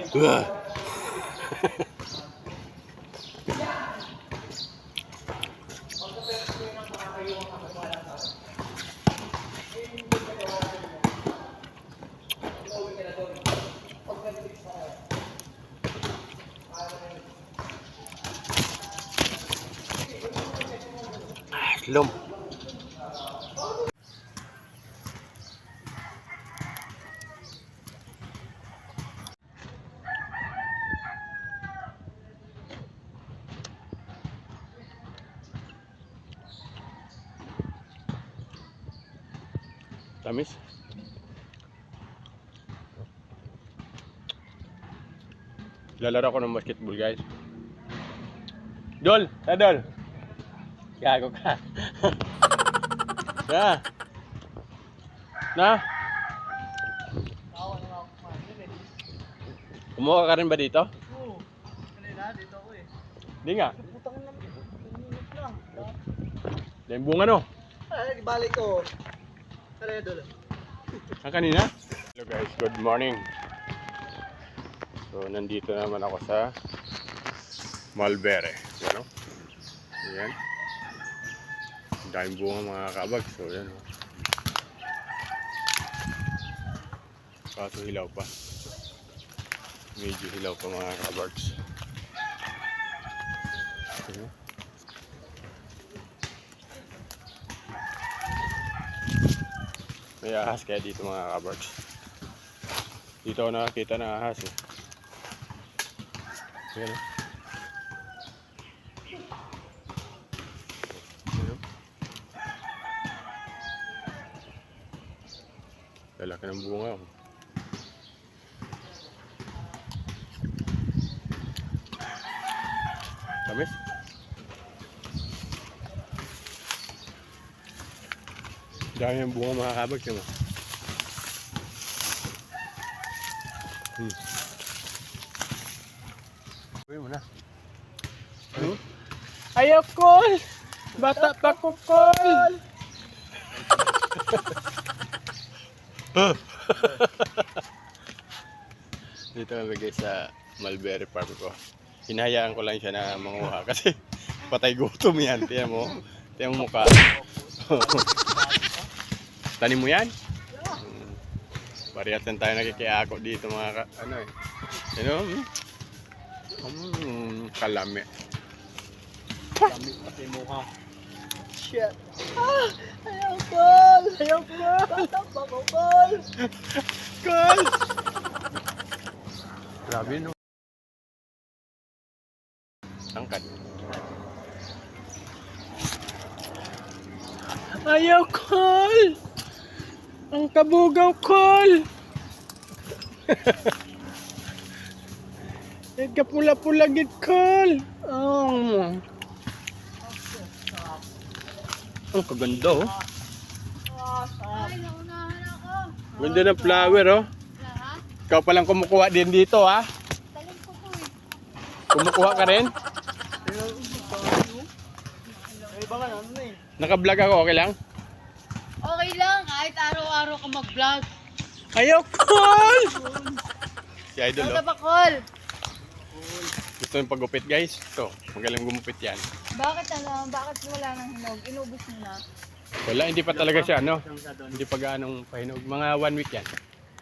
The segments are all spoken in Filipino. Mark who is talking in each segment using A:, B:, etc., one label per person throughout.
A: Lom. Tamis. Lalaro ko ng basketball, guys. Dol! Dol! Gago ka. Na? Kumuha ka rin ba dito?
B: Oo. Kanina, dito ako eh.
A: Hindi nga.
B: Putang lang. Minutes lang.
A: Dahil bunga no?
B: Ay, balik ko. Kaya doon.
A: Ang kanina? Hello guys, good morning. So, nandito naman ako sa Malbere. Yan o. Ayan. Ang daming bunga mga kabag. So, yan o. Kaso hilaw pa. Medyo hilaw pa mga kabags. Ayan. May ahas kaya dito mga kabags. Dito ako nakakita ng ahas eh. Ayan o. Lalaki ng bunga oh. Tamis? Dami ng bunga mga kabag yun oh. Uy mo na. Ano? Ayaw call! Bata pa ko call! Dito kami guys sa Mulberry Farm ko. Hinahayaan ko lang siya na manguha kasi patay gutom yan. Tiyan mo. Tiyan mo mukha. Tanim mo yan? Parehas lang tayo nakikiako dito mga ano eh. You know? Kalami.
B: Kami pati mukha. Shit. Ah! Ayaw call! Ayaw call! Batang pa ko call!
A: Call! Grabe no. Angkat. Ayaw call! Ang kabugaw call! Nagkapula-pula gid call! Oh. Ang kaganda oh.
C: Ay, naunahan ako.
A: Ganda ng flower oh.
C: Ha?
A: Ikaw palang kumukuha din dito ha.
C: Talim ko to eh.
A: Kumukuha ka rin?
B: Ay, baka ano na eh.
A: Naka-vlog ako, okay lang?
C: Okay lang, kahit araw-araw ka mag-vlog.
A: Ayaw call! Si Idol
C: Ano
A: oh.
C: ba, call?
A: Gusto yung paggupit guys. Ito, magaling gumupit yan.
C: Bakit ano? Bakit wala nang hinog? Inubos mo na?
A: Wala, hindi pa talaga siya ano. Hindi pa gaanong pahinog. Mga 1 week yan.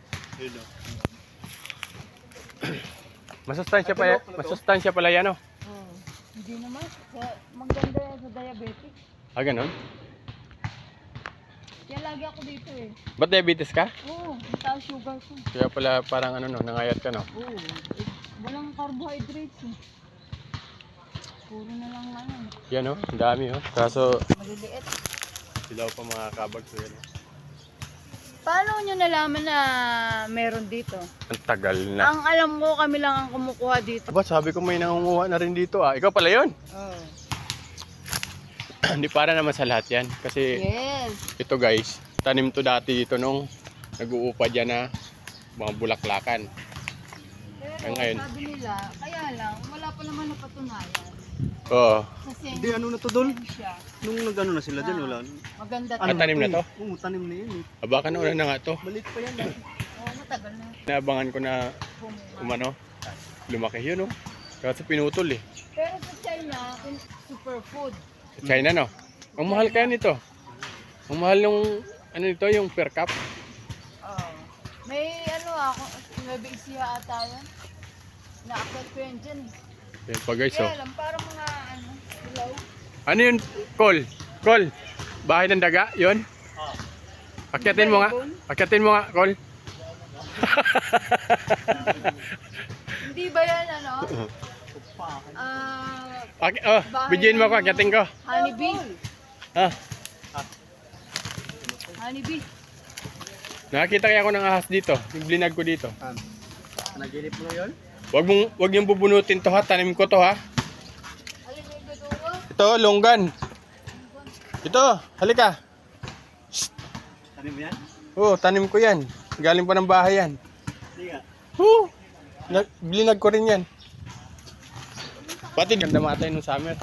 A: Masustansya pala yan oh.
C: Hindi naman. Maganda yan sa diabetic.
A: Ah, ganun?
C: Kaya lagi ako dito eh.
A: Ba't diabetes ka?
C: Oo, mataas sugar ko.
A: Kaya pala parang ano no, nangayat ka no?
C: Oo. Walang carbohydrates eh. Puro na lang ano.
A: Yan oh, ang dami oh. Kaso,
C: Maliliit.
A: silaw pa mga kabag so yan oh.
C: Paano nyo nalaman na meron dito?
A: Ang tagal na.
C: Ang alam ko, kami lang ang kumukuha dito.
A: Aba, sabi ko may nangunguha na rin dito ah. Ikaw pala yun?
C: Oo.
A: Hindi para naman sa lahat yan. Kasi
C: Yes.
A: ito guys, tanim to dati dito nung nag-uupad yan na mga bulaklakan.
C: Pero
A: Ngayon.
C: sabi nila, kaya lang, wala pa naman napatunayan.
A: Oo.
C: Kasi
B: Hindi, ano na to, Dol?
C: siya.
B: Nung nag-ano na sila dyan, wala.
C: Maganda
A: Ang tanim na to?
B: Oo, tanim na yun eh.
A: Aba, ka nauna na nga to.
B: Maliit pa yan.
C: Oo, matagal na.
A: Naabangan ko na
C: Bumunga.
A: umano, Lumaki yun, oh. Kasi pinutol, eh.
C: Pero sa China, superfood.
A: Sa China, no? Ang mahal kaya nito. Ang mahal nung, ano nito, yung per cup.
C: Oo. May ano ako, may bigsiya ata yan. Naakyat ko yan dyan.
A: Yan pa guys, oh.
C: Kaya lang, parang mga ano, ilaw.
A: Ano yun, Col? Col, bahay ng daga, yun? Akyatin mo nga. Akyatin mo nga, Col.
C: Hindi ba yan ano?
A: Bigyan mo ako, akyatin ko.
C: Honeybee.
A: Ha?
C: Honeybee.
A: Nakakita kaya ako ng ahas dito. Yung blinag ko dito.
B: Naginip mo yun?
A: Wag niyong bubunutin to ha. Tanim ko to ha.
C: Alin yung gadugo?
A: Ito, longgan. Ito, halika.
B: Ano mo yan?
A: Oo, tanim ko yan. Galing pa ng bahay yan.
B: Hindi nga.
A: Oo. Blinag ko rin yan. Pati ganda matay nung summer.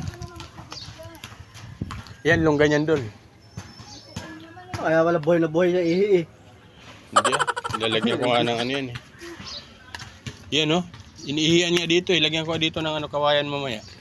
A: Yan, longgan yan dol.
B: Kaya wala buhay na buhay na ihi eh.
A: Hindi ah. Lalagyan ko nga ng ano yan eh. Yan oh. Iniihian niya dito eh. Lagyan ko dito ng ano kawayan mamaya.